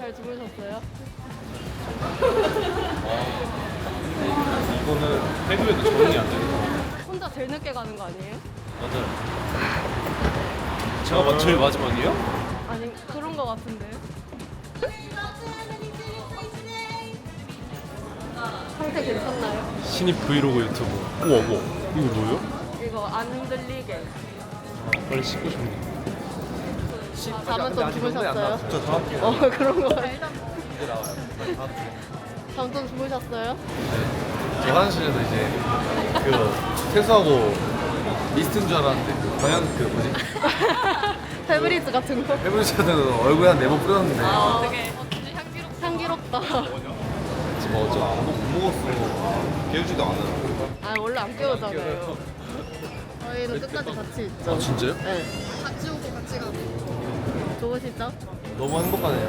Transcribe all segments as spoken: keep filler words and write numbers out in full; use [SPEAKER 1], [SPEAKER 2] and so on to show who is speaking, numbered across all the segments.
[SPEAKER 1] 잘 주무셨어요?
[SPEAKER 2] 이거는 해도에도 적응이 안 되는 거
[SPEAKER 1] 혼자 제일 늦게 가는 거 아니에요?
[SPEAKER 2] 맞아요. 제가 마- 제일 마지막이에요?
[SPEAKER 1] 아니 그런 거 같은데요? 상태 괜찮나요?
[SPEAKER 2] 신입 브이로그 유튜브. 우와 우와. 이거 뭐예요?
[SPEAKER 1] 이거 안 흔들리게.
[SPEAKER 2] 빨리 씻고 싶네.
[SPEAKER 1] 잠은 좀 주무셨어요?
[SPEAKER 2] 저 다음 주에
[SPEAKER 1] 어 그런 거 같아요. 잠 좀 주무셨어요?
[SPEAKER 2] 저 화장실에서 이제 그 세수하고 미스트인 줄 알았는데 그 방향 그 뭐지?
[SPEAKER 1] 페브리즈 같은 거?
[SPEAKER 2] 해브리샤드 얼굴에 한 네 번 뿌렸는데
[SPEAKER 1] 아 되게 향기롭, 향기롭다.
[SPEAKER 2] 지금 어쩌 아무도 못 먹었어. 깨우지도 않아.
[SPEAKER 1] 아 원래 안 깨우잖아요. 저희는 끝까지 같이 있죠.
[SPEAKER 2] 아 진짜요?
[SPEAKER 1] 네. 같이 오고 같이 가고. 좋으시죠?
[SPEAKER 2] 너무 행복하네요.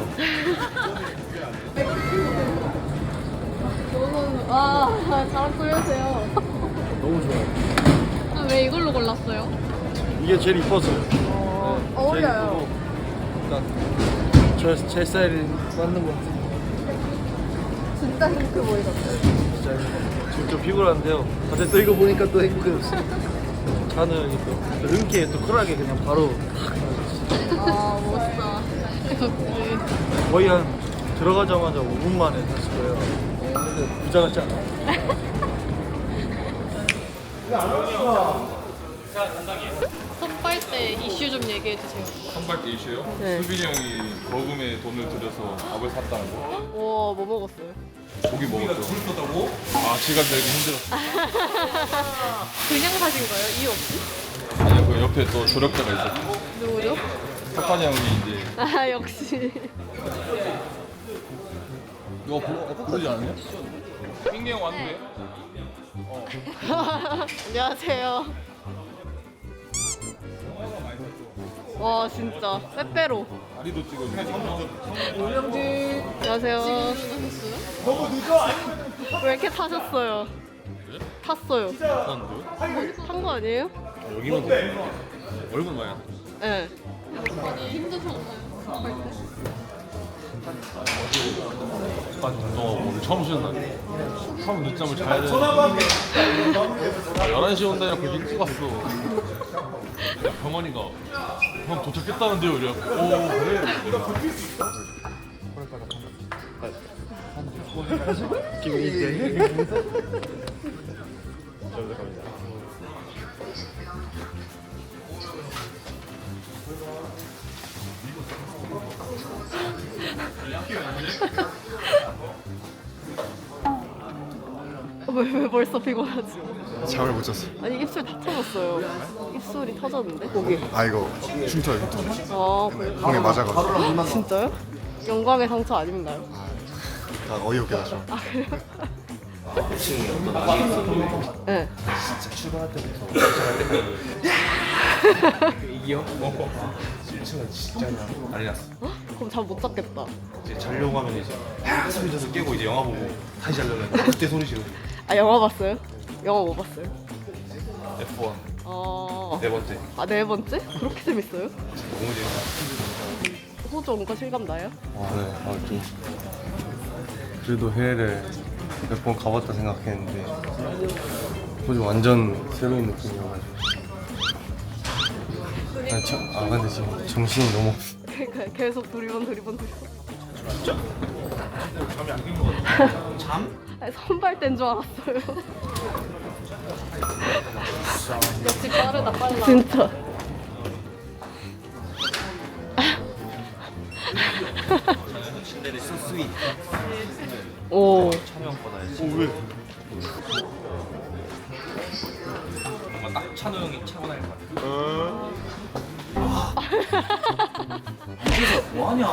[SPEAKER 1] 너무 와 잘 꾸며세요.
[SPEAKER 2] 너무 좋아요.
[SPEAKER 1] 아, 왜 이걸로 골랐어요?
[SPEAKER 3] 이게 제일 이뻐서요.
[SPEAKER 1] 어, 어울려요.
[SPEAKER 3] 일단 저, 제 스타일이 맞는 것 같아요.
[SPEAKER 1] 진짜 행복해 보이셨어요.
[SPEAKER 3] 진짜 지금 좀 피곤한데요. 어제 또 이거 보니까 또 행복해졌어요. 저는 또 흔쾌히 또 쿨하게 그냥 바로
[SPEAKER 1] 아 멋있다.
[SPEAKER 3] 거의 한 들어가자마자 오 분 만에 샀을 거예요. 근데 부자 같지 않아요?
[SPEAKER 1] 선발 때 이슈 좀 얘기해 주세요.
[SPEAKER 4] 선발 때 이슈요?
[SPEAKER 1] 네.
[SPEAKER 4] 수빈이 형이 거금에 돈을 들여서 밥을 샀다는 거.
[SPEAKER 1] 와, 뭐 먹었어요?
[SPEAKER 4] 고기 먹었죠. 아, 시간 내기 힘들었어.
[SPEAKER 1] 그냥 사신 거예요? 이유 없이?
[SPEAKER 4] 아니요, 그 옆에 또 조력자가 있었어.
[SPEAKER 1] 누구죠?
[SPEAKER 4] 석환이 형이 이제
[SPEAKER 1] 아, 역시.
[SPEAKER 4] 이거 부르, 부르지 않았냐? 핑계 형 왔는데?
[SPEAKER 1] 안녕하세요. 와, 진짜. 빼빼로.
[SPEAKER 4] 다리도 찍어주고.
[SPEAKER 1] 안녕하세요. 너무 늦어. 왜 이렇게 타셨어요? 탔어요. 탄 거 아니에요?
[SPEAKER 2] 여기만 더 얼굴 많이
[SPEAKER 1] 네.
[SPEAKER 2] 아, 너 오늘 처음 쉬는 날. 처음 늦잠을 자야 돼. 열한 시 온다니까 그렇게 일찍 왔어. 야, 병원이가 형 도착했다는데요. 이래. 오 그래.
[SPEAKER 1] 왜, 왜 벌써 피곤하지?
[SPEAKER 5] 잠을 못 잤어.
[SPEAKER 1] 아니, 입술 다 터졌어요. 입술이 터졌는데? 거기.
[SPEAKER 5] 아 이거 흉터야 흉터.
[SPEAKER 1] 아, 그래요?
[SPEAKER 5] 공에 맞아가지고
[SPEAKER 1] 진짜요? 영광의 상처 아닌가요?
[SPEAKER 5] 다 어이없게 나죠.
[SPEAKER 1] 아, 그래요? 네.
[SPEAKER 2] 이기요? 칠층은 진짜 난리 났어.
[SPEAKER 1] 그럼 잠 못 잤겠다.
[SPEAKER 2] 이제 자려고 하면 이제 아, 소리 져서 깨고 이제 영화 보고 다시 자려면 그때 소리 지르고.
[SPEAKER 1] 아, 영화 봤어요? 영화 뭐 봤어요?
[SPEAKER 2] 에프 원
[SPEAKER 1] 어...
[SPEAKER 2] 네 번째.
[SPEAKER 1] 아, 네 번째? 그렇게 재밌어요?
[SPEAKER 2] 너무 재밌어.
[SPEAKER 1] 호주 온 거 실감 나요?
[SPEAKER 6] 아, 네. 아, 좀 그래도 해외를 몇 번 가봤다 생각했는데 호주 완전 새로운 느낌이어가지고 아, 저, 아 근데 지금 정신이 너무 없어.
[SPEAKER 1] 그러니까 계속 두리번 두리번 두리번.
[SPEAKER 2] 잠이 안 깬 거 같아. 잠?
[SPEAKER 1] 아니, 선발 땐 줄 알았어요. 역시 빠르다 빨라. 진짜.
[SPEAKER 2] 소스윗.
[SPEAKER 1] 오.
[SPEAKER 2] 찬우형보다
[SPEAKER 3] 왜?
[SPEAKER 2] 뭔가 딱 찬우 형이 차고 나갈 것 같아. 뭐하냐?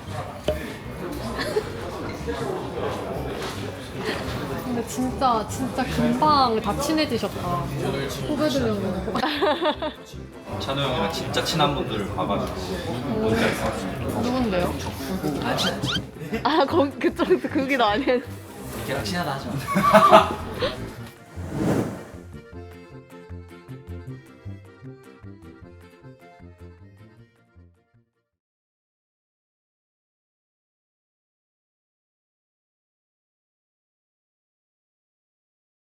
[SPEAKER 7] 근데 진짜 진짜 금방 다 친해지셨다. 후배들이랑.
[SPEAKER 2] 찬우 형이랑 진짜 친한 분들을 봐가지고 뭔지 알 것 같아.
[SPEAKER 7] 누군데요?
[SPEAKER 2] 안 친하지?
[SPEAKER 1] 아, 거기 그쪽 그기도 아니에요.
[SPEAKER 2] 걔랑 친하다 하지 마.